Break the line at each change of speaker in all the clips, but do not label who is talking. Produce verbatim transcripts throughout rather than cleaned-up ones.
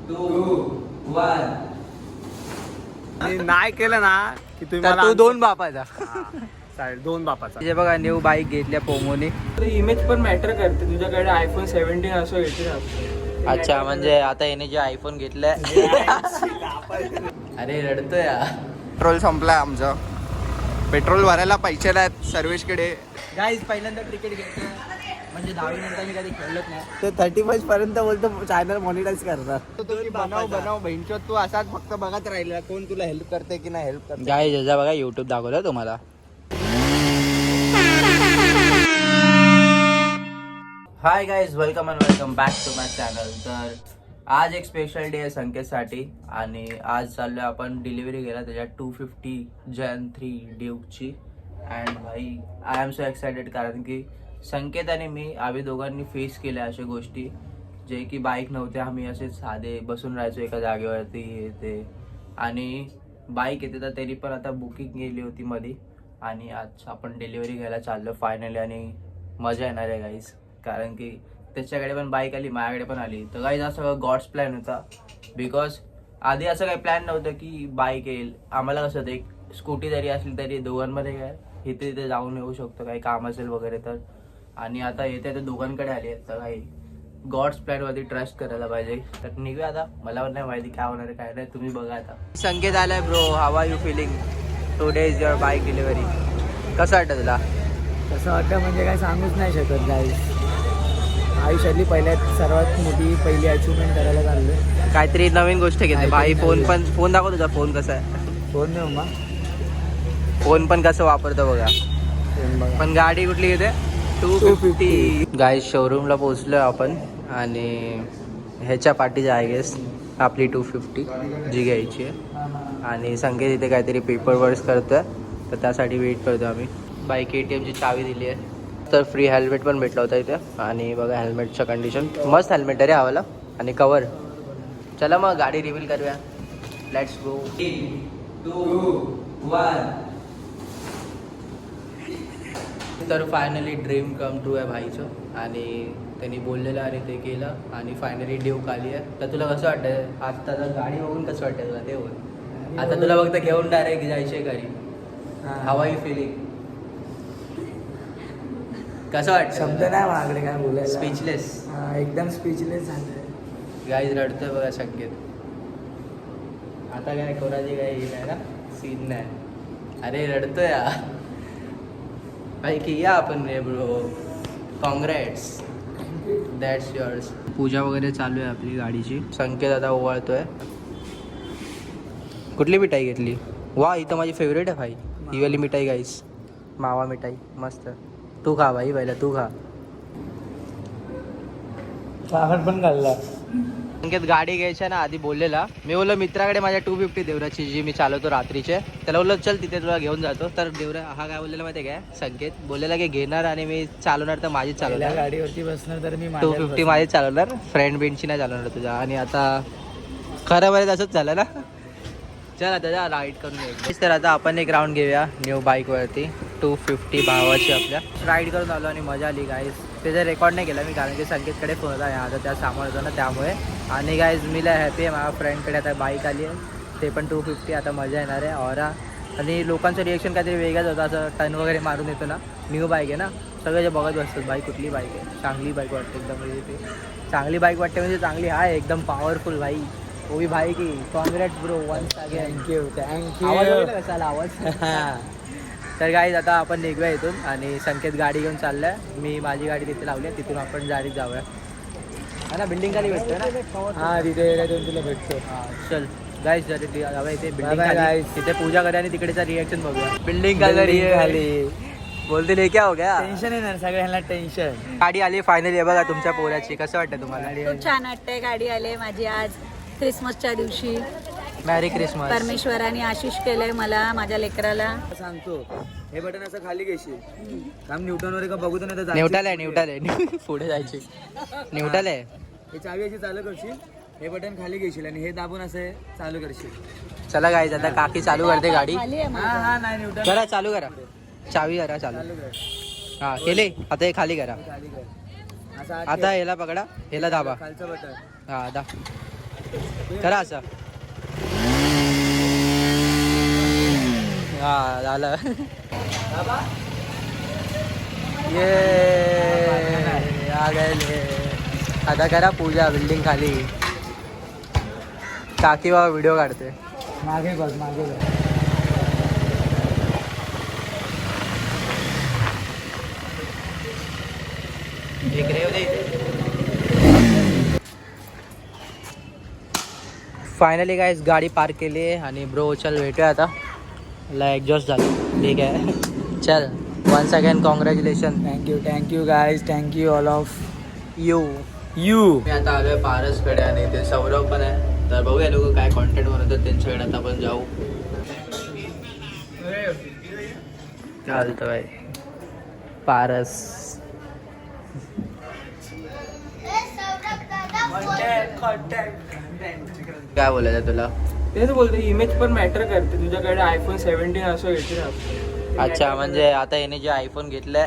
To one.
नाही केलं ना की तुम्ही
तर
मला
तू दोन बापाचा.
चालेल, दोन बापाचा.
हे बघा न्यू बाईक घेतल्या पोमोने.
इमेज पण मॅटर करते. तुझ्याकडे आयफोन सेव्हन्टीन असो येते.
अच्छा, म्हणजे आता याने जे आयफोन घेतलाय. अरे रडतोय यार.
पेट्रोल संपलाय आमचं. पेट्रोल भरायला पैसे नाहीत सर्वेशकडे.
गाईज पहिल्यांदा क्रिकेट घेतलं, म्हणजे दहावी नंतर मी कधी खेळलोच नाही.
ते थर्टी फर्स्ट पर्यंत बोलतो चॅनल मॉनिटाईज करणार. बनव बनव बहिणचो तू असाच फक्त बघत राहिला कोण तुला हेल्प करते की नाही हेल्प करते.
गाईज याचा बघा युट्यूब दाखवलं तुम्हाला. Hi guys, welcome and welcome back to my channel. तर आज एक स्पेशल डे आहे संकेतसाठी आणि आज चाललोय आपण डिलिव्हरी गेला त्याच्या टू फिफ्टी जन थ्री ड्यूकची. अँड भाई आय एम सो एक्सायटेड, कारण की संकेत आणि मी आम्ही दोघांनी फेस केल्या अशा गोष्टी जे की बाईक नव्हते. आम्ही असे साधे बसून राहायचो एका जागेवरती येते, आणि बाईक येते तर तरी पण आता बुकिंग गेली होती मध्ये, आणि आज आपण डिलिव्हरी घ्यायला चाललो फायनली. आणि मजा येणार आहे गाईज, कारण की त्याच्याकडे पण बाईक आली, माझ्याकडे पण आली. तर गाईज हा सगळं गॉड्स प्लॅन होता. बिकॉज आधी असं काही प्लॅन नव्हतं की बाईक येईल. आम्हाला कसं होतं, एक स्कूटी जरी असली तरी दोघांमध्ये काय इथे तिथे जाऊन येऊ शकतो, काही काम असेल वगैरे तर. आणि आता येते तर दोघांकडे आली आहेत, तर काही गॉड्स प्लॅनवरती ट्रस्ट करायला पाहिजे. तर निघूया आता. मला पण नाही माहिती काय होणार आहे काय नाही, तुम्ही बघा आता. संकेत आलाय bro, how are you feeling? Today is your bike delivery. कसं वाटतं तुला?
कसं वाटतं म्हणजे काय सांगूच नाही शकत गाईस. आयुष्यातली पहिल्यात सर्वात मोठी पहिली अचिव्हमेंट करायला चाललोय.
काहीतरी नवीन गोष्ट घेते भाई. फोन पण फोन दाखव तुझा फोन कसा आहे.
फोन देऊ मग.
फोन पण कसं वापरतो बघा. पण गाडी कुठली घेते? To fifty. गाय शोरूमला पोहोचलोय आपण, आणि ह्याच्या पाठीची आय गेस आपली टू फिफ्टी जी घ्यायची आहे. आणि संकेत इथे काहीतरी पेपर वर्क करतोय, तर त्यासाठी वेट करतो आम्ही. बाईक ए टी एमची चावी दिली आहे. तर फ्री हेल्मेट पण भेटला होता इथे. आणि बघा हेल्मेटचं कंडिशन मस्त हेल्मेट आहे रे हवाला, आणि कवर. चला मग गाडी रिव्हील करूया. Let's go.
Two one.
तर फायनली ड्रीम कम ट्रू आहे भाईचं, आणि त्यांनी बोललेलं आणि ते केलं, आणि फायनली ड्यूक आली आहे. तर तुला कसं वाटतं आता? तर गाडी बघून कसं वाटतं तुला ते बोल. आता तुला फक्त घेऊन डायरेक्ट जायचे घरी. How are you feeling? कसं वाटतं?
शब्द नाही माझ्याकडे काय बोलायला.
स्पीचलेस.
एकदम स्पीचलेस झालंय.
गाईज रडतोय बघा संकेत. आता काय कोणाची काय हे नाही ना, सीन नाही. अरे रडतोय या भाई की या आपण रे ब्रो. Congrats, that's yours. पूजा वगैरे चालू आहे आपली गाडीची. संकेत आता ओवाळतोय. कुठली मिठाई घेतली? वा, ही तर माझी फेवरेट आहे भाई. ही वाली मिठाई गाईस, मावा मिठाई मस्त. तू खा भाई, पहिला तू खा.
साखर पण घालला.
संकेत गाडी घ्यायच्या ना आधी बोललेला, मी बोललो मित्राकडे माझ्या टू फिफ्टी देवराची जी मी चालवतो रात्रीचे, त्याला बोललो चल तिथे तुला घेऊन जातो. तर देवरा हा काय बोललेला माहिती आहे काय? संकेत बोललेला की घेणार आणि मी चालवणार तर माझीच चालवणार.
गाडीवरती बसणार तर मी
टू फिफ्टी माझीच चालवणार, फ्रेंड बेंचची नाही चालवणार तुझ्या. आणि आता खरं बरं तसंच झालं ना. चल आता जा राईड करून घ्यायची. तर आता आपण एक राऊंड घेऊया न्यू बाईकवरती. टू फिफ्टी भावाची आपल्या राईड करून आलो आणि मजा आली गाईज. त्याचा रेकॉर्ड नाही केला मी, कारण की संकेतकडे फोन होता आता त्या सांभाळतो ना, त्यामुळे. आणि गाईज मी लय हॅपी आहे, माझ्या फ्रेंडकडे आता बाईक आली आहे, ते पण टू फिफ्टी. आता मजा येणार आहे ऑरा. आणि लोकांचं रिएक्शन काहीतरी वेगळंच होतं, असं टर्न वगैरे मारून येतो ना. न्यू बाईक आहे ना, सगळे जे बघत बसतात बाईक कुठली बाईक आहे. चांगली बाईक वाटते एकदम, म्हणजे ते चांगली बाईक वाटते म्हणजे चांगली आहे एकदम पॉवरफुल भाई. वो भी भाई की congrats bro once again.
Thank you thank you.
आवाज वगैरे कसा आवाज. तर गाईज आता आपण निघूया इथून, आणि संकेत गाडी घेऊन चाललाय. मी माझी गाडी तिथे लावली आहे, तिथून आपण डायरेक्ट जाऊया. हा ना, बिल्डिंग खाली भेटतो ना.
हा तिथे तुला भेटतो.
हां चल गाईज जरी जाऊया इथे बिल्डिंग
Bye bye
खाली.
guys.
तिथे पूजा करूया आणि तिकडेचा रिएक्शन बघूया. बिल्डिंग खाली
खाली
बोलते नाही क्या हो गया.
टेन्शन येणार सगळ्यांना टेन्शन.
गाडी आली फायनली बघा तुमच्या पोराची. कसं वाटतं तुम्हाला?
खूप छान वाटतंय. गाडी आली माझी आज क्रिसमसच्या दिवशी.
मॅरी क्रिसमस.
परमेश्वराने आशिष केलंय मला, माझ्या लेकराला.
सांगतो हे बटन असं खाली घेशील काम न्यूटन वर का बघू तर नाही.
न्यूट्रल आहे न्यूट्रल आहे पुढे जायची. न्यूट्रल आहे.
हे चावी अशी चालू करशील, हे बटन खाली घेशील आणि हे दाबून असं चालू करशील.
चला गाईज आता काकी चालू करते गाडी.
खाली आहे माझी.
हा हा नाही न्यूटन
करा चालू करा, चावी करा चालू.
चालू कर.
हा केले. आता हे खाली करा.
खाली कर असं आत
आता ह्याला पकडा, ह्याला दाबा.
खालचं बटन.
हा दा करा असं. हा झालं. ये आ गए. आता करा पूजा बिल्डिंग खाली. काकी बाबा व्हिडिओ काढते.
मागे बघ मागे बघ.
एक रेव दे. फायनली गाइस गाडी पार्क केली आहे आणि ब्रो चल भेटूया आता. ला एक्झॉस्ट झालं. ठीक आहे चल. Once again congratulation.
Thank you thank you guys. Thank you all of
you
you.
मी आता आलोय पारसकडे आणि ते सौरव पण आहे. तर बघूया लोक काय कॉन्टेंट बनवतात त्यांच्याकडे. आता आपण जाऊ. चालतं बाई. पारस काय बोलायचं तुला.
तेच बोलते इमेज पण मॅटर करते. तुझ्याकडे आयफोन सेव्हन्टीन असो एटीन असो.
अच्छा म्हणजे आता याने जे आयफोन घेतलाय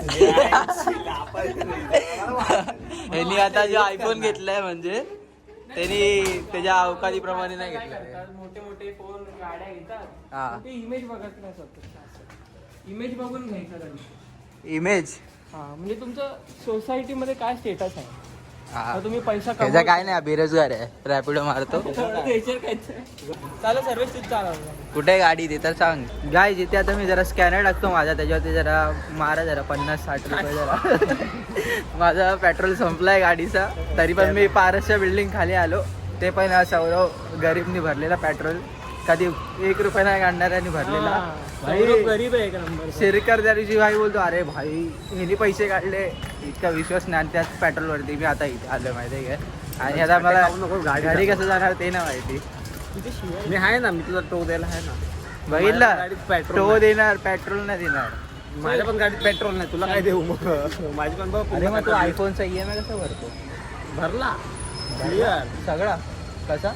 यांनी आता जे आयफोन घेतलाय म्हणजे त्यांनी त्याच्या अवकाळीप्रमाणे नाही घेतलं.
मोठे मोठे फोन गाड्या घेतात.
हा
ते इमेज बघत नाही स्वतः. इमेज बघून घ्यायचं त्यांनी.
इमेज.
हा म्हणजे तुमचं सोसायटीमध्ये काय स्टेटस आहे.
हा
आता तुम्ही पैसा
त्याचा काय नाही बेरोजगार आहे. रॅपिडो मारतो.
चालू सर्विस चालवलं.
कुठे गाडी ते तर सांग. गाय जिथे आता मी जरा स्कॅनर टाकतो माझा त्याच्यावरती जरा मारा जरा पन्नास साठ रुपये जरा. माझा पेट्रोल संपलाय गाडीचा. तरी पण मी पारसच्या बिल्डिंग खाली आलो. ते पण सौरव गरीबनी भरलेला पेट्रोल. कधी एक रुपया नाही काढणाऱ्यानी भरलेला.
गरीब आहे एक नंबर.
शिरकर त्या दिवशी भाई बोलतो अरे भाई ह्यानी पैसे काढले. इतका विश्वास नाही त्याच पेट्रोलवरती मी आता इथे आलो माहिती आहे का. आणि आता मला गाडी कसं जाणार ते ना माहिती.
मी आहे ना. मी तुला टो द्यायला आहे ना.
बघितलं टो देणार पेट्रोल नाही देणार.
माझ्या पण गाडीत पेट्रोल नाही. तुला काय देऊ मग. माझी पण बघ.
अरे मग तू आयफोनचा ई एम आय कसा भरतो.
भरला क्लिअर
सगळा कसा.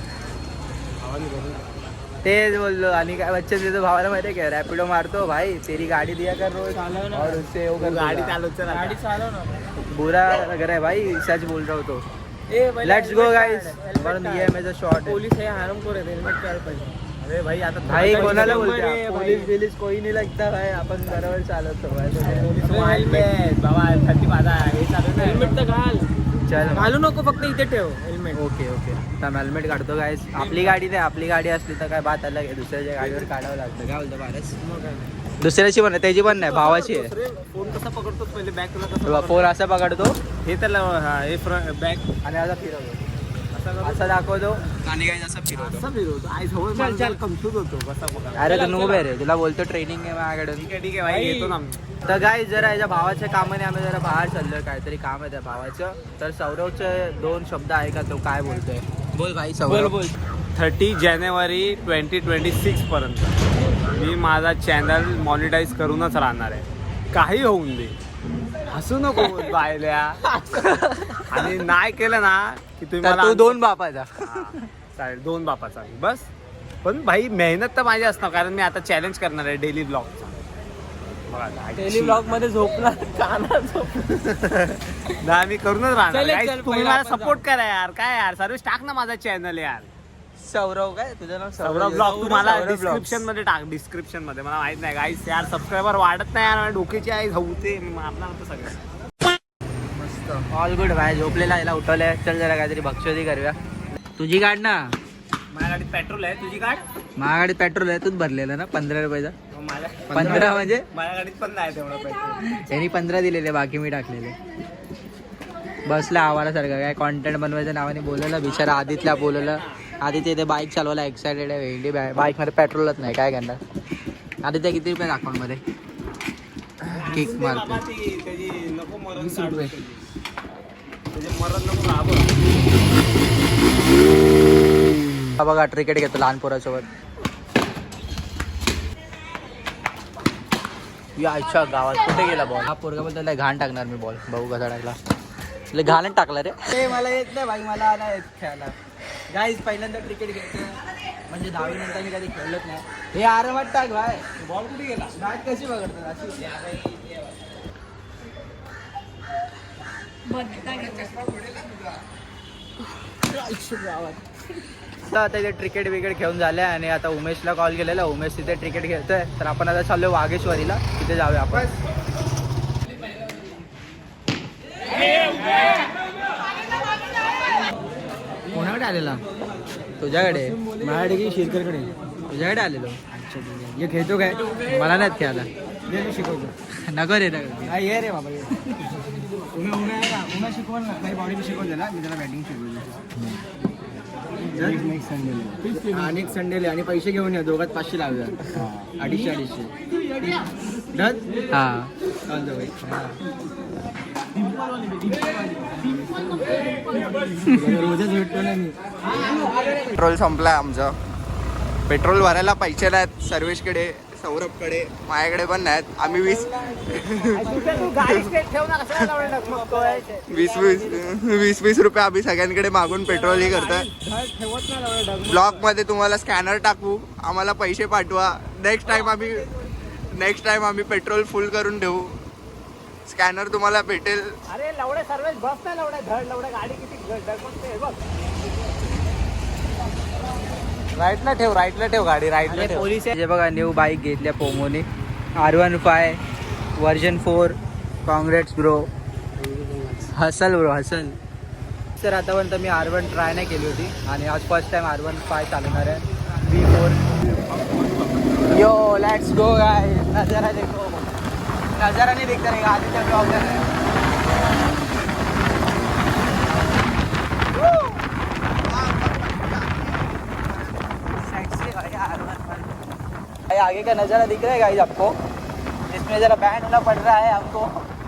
तेच बोललो. आणि काय बच्चे त्याचं भावाला माहिती आहे का रॅपिडो मारतो भाई तेरी गाडी दिया कर रोज और उससे वो कर
गाडी
दूंगा.
चालवतो.
गाडी चालव ना.
बुरा लग रहा है भाई. सच बोल रहा हूँ तो.
ए भाई,
लेट्स गो
helmet
गाइस.
काढ, helmet
वरून
काढ.
ई एम आयचा शॉर्ट आहे.
पोलीस हे हरामखोर आहेत. हेल्मेट काढ पाहिजे.
अरे भाई आता
भाई
थोडं
कोणाला
काही
बोलते
नंबर आहे
पोलीस
भाई.
बिलीस कोई नाही लगता भाई. आपण बरोबर चालवतो भाई.
हेल्मेट बाबा थर्टी माझा हे चालू नाही.
हेल्मेट तर घाल.
चल
घालू नको फक्त इथे ठेव हेल्मेट.
Okay okay. तर हेल्मेट काढतो गाईस. आपली गाडी नाही. आपली गाडी असली तर काय बात अलग आहे. दुसऱ्याच्या गाडीवर काढावं लागतं. काय बोलतो पारस. दुसऱ्याची पण आहे त्याची पण नाही भावाची आहे.
फोन कसा पकडतो पहिले बॅग तुला कसं
फोन असा पकडतो
हे तर हा हे फ्रंट बॅग
आणि असा फिरवतो. असा दाखवतो आणि काही असं फिरवतो.
कसा फिरवतो. आई जवळ
चल, चल.
कन्फ्यूज होतो कसा पकडतो.
अरे तू नूब आहे रे. तुला बोलतो ट्रेनिंग आहे माझ्याकडून.
ठीक आहे ठीक आहे भाई येतो ना.
तर गाईस जरा याच्या भावाच्या कामाने आम्ही जरा बाहेर चाललोय. काहीतरी काम आहे त्या भावाचं. तर सौरवचे दोन शब्द आहे का तो काय बोलतोय. बोल भाई सौरव.
बोल.
थर्टी जानेवारी ट्वेंटी ट्वेंटी सिक्स पर्यंत मी माझा चॅनल मॉनिटाईज करूनच राहणार आहे. काही होऊन दे. हसू नको बायल्या. आणि नाही केलं ना की तुम्ही
तर
मला
तू दोन बापाचा.
हा, चालेल दोन बापाचा बस. पण भाई मेहनत तर माझी असणार कारण मी आता चॅलेंज करणार आहे डेली ब्लॉगचा.
डेली ब्लॉग मध्ये झोपणार काना झोपणार.
नाही मी करूनच राहणार.
चल,
Guys,
चल,
तुम्ही
पहिलं
मला
आपण
सपोर्ट करा यार. काय यार सर्विस टाक ना माझा चॅनल यार.
सौरव काय तुझं नाव
सौरव ब्लॉग तुम्हाला
सौरव vlogs.
डिस्क्रिप्शन मध्ये टाक. डिस्क्रिप्शन मध्ये मला माहित नाही गाईस यार सबस्क्रायबर वाढत नाही यार. डोक्याची आई धावते. मी मारणार होतं सगळं.
मस्त ऑल गुड भाई. झोपलेला याला उठवलंय. चल जरा काहीतरी भक्षोदी करूया. तुझी गाड ना.
माझ्या गाडीत पेट्रोल आहे. तुझी गाड
माझ्या गाडीत पेट्रोल आहे. तूच भरलेला ना पंधरा रुपयाचा.
माझ्या
पंधरा म्हणजे
माझ्या गाडीत पण नाही तेवढं पेट्रोल.
यांनी पंधरा दिलेले बाकी मी टाकलेले. बसला आवारासारखं काय कॉन्टेंट बनवायच्या नावाने बोलवलं. बिचारा आदितला बोलवलं. आदित्य इथे बाईक चालवायला एक्सायटेड आहे. वेगळी बाईक मध्ये पेट्रोलच नाही काय करणार. आदित्य किती रुपये अकाउंट मध्ये किक मारतो.
त्याची नको मरण काढू. त्याचे मरण नको राहावं.
हा बघा क्रिकेट घेतो लहान पोरासोबत. या अच्छा गावात कुठे गेला बॉल. हा पोरगा बोलतो त्याला घाण टाकणार मी बॉल. भाऊ कसा टाकला. तुला घाणच टाकला रे. ते मला येत नाही भाई. मला नाही येत खेळायला. गाईज पहिल्यांदा क्रिकेट घेतो म्हणजे दहावी नंतर मी कधी खेळलोच नाही. हे आरामात टाक भाई. बॉल कुठे गेला. बॅट कशी बघतात अशी. तर आता इथे क्रिकेट विकेट खेळून झाले आणि आता उमेशला कॉल केलेला. उमेश तिथे क्रिकेट खेळतोय, तर आपण आता चाललो वाघेश्वरीला, तिथे जाऊया आपण. कोणाकडे आलेला? तुझ्याकडे? माझ्याकडे की शिरकरकडे? तुझ्याकडे आलेलो. अच्छा हे खेळतो काय? मला नाहीत खेळायला. मी शिकवतो. नको रे नको ये रे बाबा ये. उन्हा उन्हा आहे का? उन्हा शिकवल ना, माझी बॉडी शिकवली ना, मी त्याला बॅटिंग शिकवली. नेक्स्ट संडेला आणि संडेला आणि पैसे घेऊन या, दोघात पाचशे लावूया. अडीचशे अडीचशे डन. हां रोजच भेटतो ना मी.
पेट्रोल संपलाय आमचं. पेट्रोल भरायला पैसे नाहीत सर्वेशकडे, सौरभकडे, माझ्याकडे पण नाहीत. आम्ही वीस वीस वीस वीस वीस रुपये आम्ही सगळ्यांकडे मागून पेट्रोल हे करतोय. ब्लॉग मध्ये तुम्हाला स्कॅनर टाकू, आम्हाला पैसे पाठवा. नेक्स्ट टाइम आम्ही नेक्स्ट टाइम आम्ही पेट्रोल फुल करून ठेवू. स्कॅनर तुम्हाला भेटेल.
अरे लवडे सर्वेच बस नाही लवडे धड लवडे गाडी किती डगमगते बघ.
राईटला ठेव, राईटला ठेव गाडी, राईटला ठेव.
पोलीस जे बघा न्यू बाईक घेतल्या पोमोने, R one five version four. Congrats bro, hustle bro hustle. तर आतापर्यंत मी आर वन ट्राय नाही केली होती आणि आज first time R one five चालवणार आहे. B four. Yo let's go guys. नजारा देखो, नजारा नहीं दिखता रहेगा आदित्य ब्लॉग में. भाई आगे का नज़ारा दिख रहा है गाइस आपको? इसमें ज़रा बैंड होना पड़ रहा है आपको.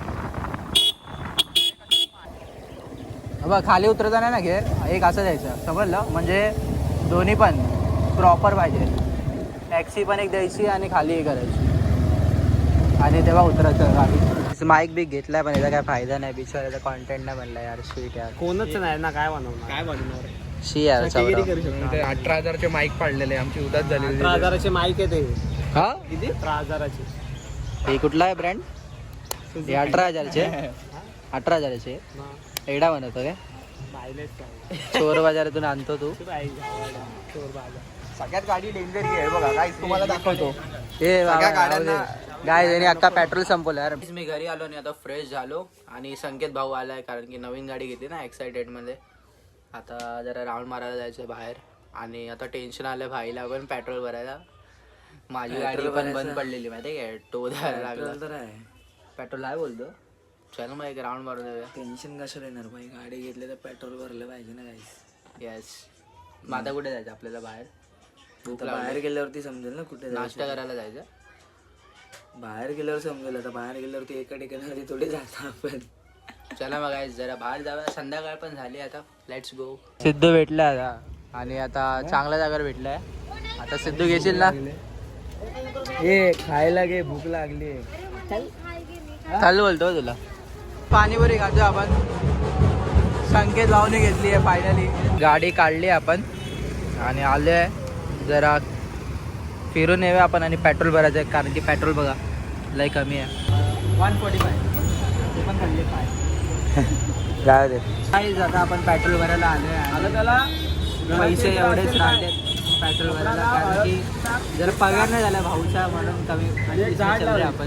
अब खाली उतरताना ना घेर एक असं जायचं, समजलं? म्हणजे दोन्ही पण प्रॉपर पाहिजे. टॅक्सी पण एक द्यायची आणि खाली हे करायची आणि तेव्हा उतरायचं गाडी. माईक बी घेतलाय पण याचा काय फायदा नाही. बिचाराचा कॉन्टेंट नाही बनला यार. शीट यार,
कोणच नाही ना, काय बनवणार? काय बनवणार?
शी यार.
अठरा हजारचे माईक पाडलेले, आमची उदास झाली.
अठरा हजाराचे माईक आहे ते.
हा
किती? अठरा हजाराचे.
हे कुठला आहे ब्रँड? हे अठरा हजारचे. अठरा हजाराचे एडा बनवतो काय? चोर बाजारातून आणतो तू.
चोर बाजार.
सगळ्यात गाडी डेंजर आहे बघा काय, तुम्हाला दाखवतो.
हे
सगळ्या गाड्यांना
गाय त्यांनी अख्खा पेट्रोल संपवलं यार. मी घरी आलो आणि आता फ्रेश झालो आणि संकेत भाऊ आलाय कारण की नवीन गाडी घेतली ना एक्साइटेड मध्ये. आता जरा राऊंड मारायला जायचं बाहेर आणि आता टेन्शन आलं भाईला पण पेट्रोल भरायला. माझी गाडी पण बंद पडलेली माहिती आहे काय, टो द्यायला लागला. पेट्रोल आहे बोलतो. चल मग एक राऊंड मारून देऊया.
टेन्शन कशाला येणार भाई, गाडी घेतली तर पेट्रोल भरलं पाहिजे ना गाईस.
येस. मग आता कुठे जायचं आपल्याला बाहेर?
बाहेर गेल्यावरती समजेल ना कुठे
नाश्ता करायला जायचं.
बाहेर गेल्यावर समजेल. आता बाहेर गेल्यावरती एका ठिकाणी थोडी जातो आपण.
चला मग गाईस जरा बाहेर जाऊया. संध्याकाळ पण झाली आता. Let's go. सिद्धू भेटला आता आणि आता चांगल्या जागेवर भेटलाय. आता सिद्धू घेशील ना?
ए खायला घे, भूक लागली.
चालू बोलतो तुला. पाणीपुरी खातो आपण. संकेत भाऊने घेतली आहे फायनली. गाडी काढली आपण आणि आलोय जरा फिरून येऊया आपण आणि पेट्रोल भरायचं आहे कारण की पेट्रोल बघा लय कमी आहे. वन फोर्टी फाय ते पण खाल्ले फाय काय ते काही आता आपण पेट्रोल भरायला आलोय. आलं त्याला पैसे एवढेच राहते पेट्रोल भरायला कारण की जरा पगार नाही झाला भाऊचा म्हणून कमी आपण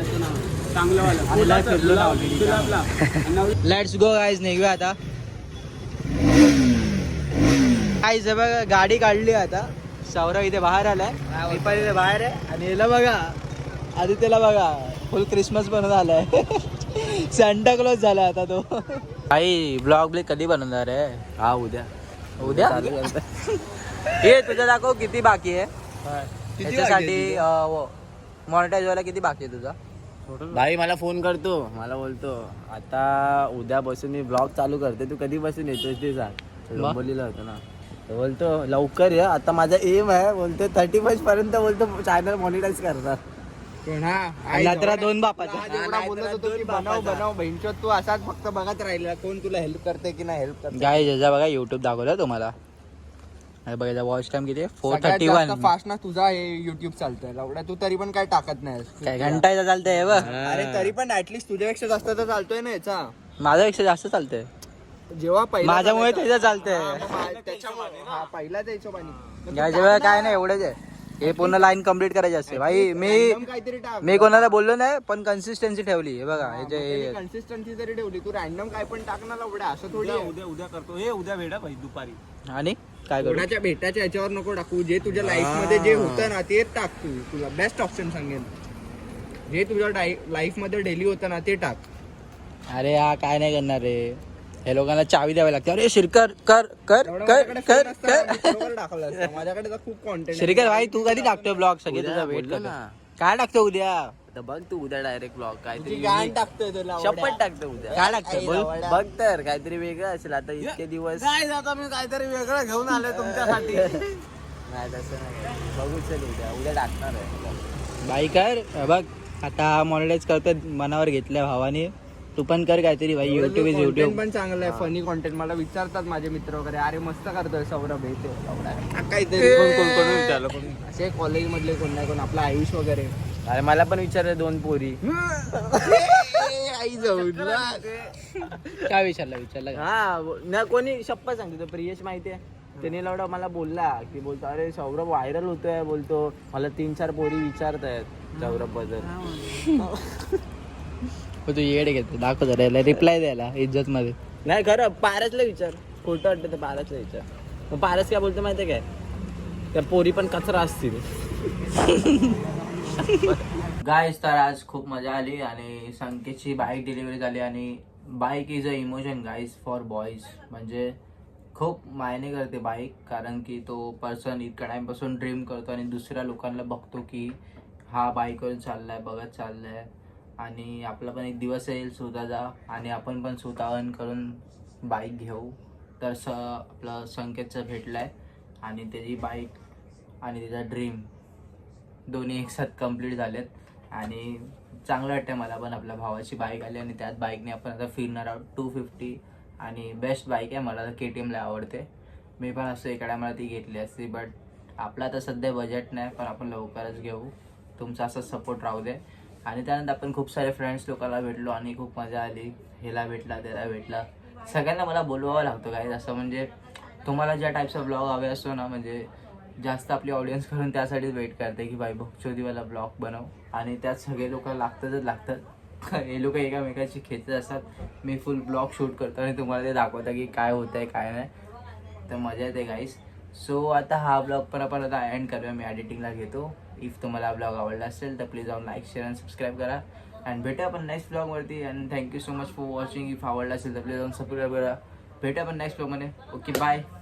चांगलं. Let's go guys. निघूया आता. गाईज बघा गाडी काढली आता. सौरभ इथे बाहेर आलाय, मी पण इथे बाहेर आहे आणि याला बघा आदित्यला बघा फुल क्रिसमस बनवून आलाय. सॅन्टा क्लॉज झाला आता तो. आई ब्लॉग ब्लॉग कधी बनवणार आहे? हा उद्या. उद्या हे तुझं दाखव किती बाकी आहे त्याच्यासाठी. मॉनिटाईज व्हायला किती बाकी आहे तुझा?
भाई मला फोन करतो, मला बोलतो आता उद्या बसून मी ब्लॉग चालू करते, तू कधी बसून येतोस ते सांग. बोललेलं होतं ना, तो बोलतो लवकर ये. आता माझा एम आहे बोलतो थर्टी फर्स्ट पर्यंत बोलतो चॅनल मॉनिटाईज करणार.
दोन बापाचा
बनव बनव बहिणचो तू असाच फक्त बघत राहिला, कोण तुला हेल्प करते की नाही हेल्प करते.
गाय ज्याचा बघा युट्यूब दाखवलं तुम्हाला. बघा वॉच टाइम किती? Four thirty one.
फास्ट ना तुझा हे युट्यूब चालतंय एवढा, तू तरी पण काय टाकत नाही.
काय घंटाचा चालतंय बघ.
अरे तरी पण ऍटलीस्ट तुझ्यापेक्षा जास्त तर चालतोय ना याचा.
माझ्यापेक्षा जास्त चालतंय.
जेव्हा पहिला
माझ्यामुळे
चालायचा-
त्याचं चालतंय.
हा, मग मा- त्याच्यामुळे हा पहिला द्यायचो पाणी मग तू
याच्या वेळेला
टाक
काय
ना.
नाही एवढंच आहे. हे पूर्ण लाईन कम्प्लीट करायची असते भाई. मी
Random काहीतरी टाक.
मी कोणाला बोललो नाही पण कन्सिस्टन्सी ठेवली. हे बघा हे जे हे-
कन्सिस्टन्सी जरी ठेवली तू रॅन्डम काय पण टाक ना लवड्या असं थोडी आहे.
उद्या उद्या करतो हे उद्या भेटा भाई दुपारी.
आणि काय करू
कोणाच्या भेटाच्या याच्यावर नको टाकू. जे तुझ्या लाईफ मध्ये जे होतं ना ते टाक. तू तुला बेस्ट ऑप्शन सांगेन. जे तुझ्या लाईफ मध्ये डेली होतं ना ते टाक.
अरे हा काय नाही करणार रे. हे लोकांना चावी द्यावी लागते. अरे श्रीकर कर कर
एवढं
कर
माझ्याकडे
कर
phone असता ना,
कर
मी बरोबर टाकलं असतं. माझ्याकडे तर खूप कॉन्टेंट
श्रीकर भाई तू कधी टाकतोय ब्लॉग? सगळे
उद्या
तुझा वेट
बोललो
करतो.
ना.
काय टाकतो उद्या?
आता बघ तू उद्या डायरेक्ट ब्लॉग काहीतरी
गाण
unique.
टाकतोय तुला
शपथ टाकतो उद्या.
काय टाकतोय बोल.
लवड्या.
बघ तर काहीतरी वेगळं असेल आता इतके दिवस. काय आता मी काहीतरी वेगळं घेऊन आलोय तुमच्यासाठी.
नाही तसं नाही. बघू चल उद्या उद्या टाकणार आहे. बाई कर बघ आता मॉनिटाईज करतोय मनावर घेतलंय भावाने. तू पण कर काहीतरी भाई. YouTube is
Content
YouTube.
पण चांगलं आहे. फनी कॉन्टेंट मला विचारतात माझे मित्र वगैरे अरे मस्त करतोय सौरभ हे ते काहीतरी
कोण कोण कोण विचारलं कोण?
असे कॉलेज मधले कोण नाही कोण आपला आयुष वगैरे
अरे मला पण विचारलं दोन पोरी.
आई जाऊ
काय विचारलं विचारलं का? हा ना कोणी शप्पा सांगतो तो प्रियेश माहिती आहे. त्याने लवडा मला बोलला की बोलतो अरे सौरभ व्हायरल होतोय. बोलतो मला तीन चार पोरी विचारत आहेत सौरभ बद्दल. तू येडे घेतो दाखव जरा रिप्लाय द्यायला इज्जत मध्ये. नाही खरं पारसला विचार. खोटं वाटतं तर पारसला विचार. मग पारस काय बोलतो माहितीये काय? त्या पोरी पण कचरा असतील.
गाईस तर आज खूप मजा आली आणि संकेतची बाईक डिलिव्हरी झाली. आणि bike is a emotion guys for boys. म्हणजे खूप मायने करते बाईक. कारण की तो पर्सन इतक्या टाईमपासून ड्रीम करतो आणि दुसऱ्या लोकांना बघतो की हा बाईकवर चाललाय बघत चाललाय. आणि आपला पण एक दिवस येईल स्वतःचा आणि आपण पण स्वतः अर्न करून बाईक घेऊ. तर स आपलं संकेतचं भेटलं आहे आणि त्याची बाईक आणि त्याचा ड्रीम दोन्ही एकसाथ कंप्लीट झालेत. आणि चांगलं वाटतं मला पण आपल्या भावाची बाईक आली आणि त्याच बाईकने आपण आता फिरणार आहोत. टू फिफ्टी आणि बेस्ट बाईक आहे. मला तर के टी एमला आवडते. मी पण असं एखाद्या मला ती घेतली असती बट आपला तर सध्या बजेट नाही. पण आपण लवकरच घेऊ. तुमचा असा सपोर्ट राहू दे. आणि त्यानंतर आपण खूप सारे फ्रेंड्स लोकांना भेटलो आणि खूप मजा आली. ह्याला भेटला त्याला भेटला सगळ्यांना मला बोलवावं लागतं काय असं. म्हणजे तुम्हाला ज्या टाईपचा ब्लॉग हवे असतो ना म्हणजे जास्त आपली ऑडियन्स करून त्यासाठीच वेट करते की बाई बकचोदीवाला ब्लॉग बनव. आणि त्यात सगळे लोक लागतातच लागतात. हे लोक एकामेकाची खेचत असतात. मी फुल ब्लॉग शूट करतो आणि तुम्हाला ते दाखवतं की काय होतं आहे काय नाही. तर मजा येते गाईस. सो आता हा ब्लॉग पण आपण आता एंड करूया. मी एडिटिंगला घेतो. इफ तुम्हाला हा ब्लॉग आवडला असेल तर प्लीज जाऊन लाईक शेअर आणि सबस्क्राईब करा. अँड भेटूया आपण नेक्स्ट ब्लॉगवरती. And thank you so much for watching. If आवडला असेल तर प्लीज जाऊन सबस्क्राईब करा. भेटूया आपण नेक्स्ट ब्लॉगमध्ये. Okay bye.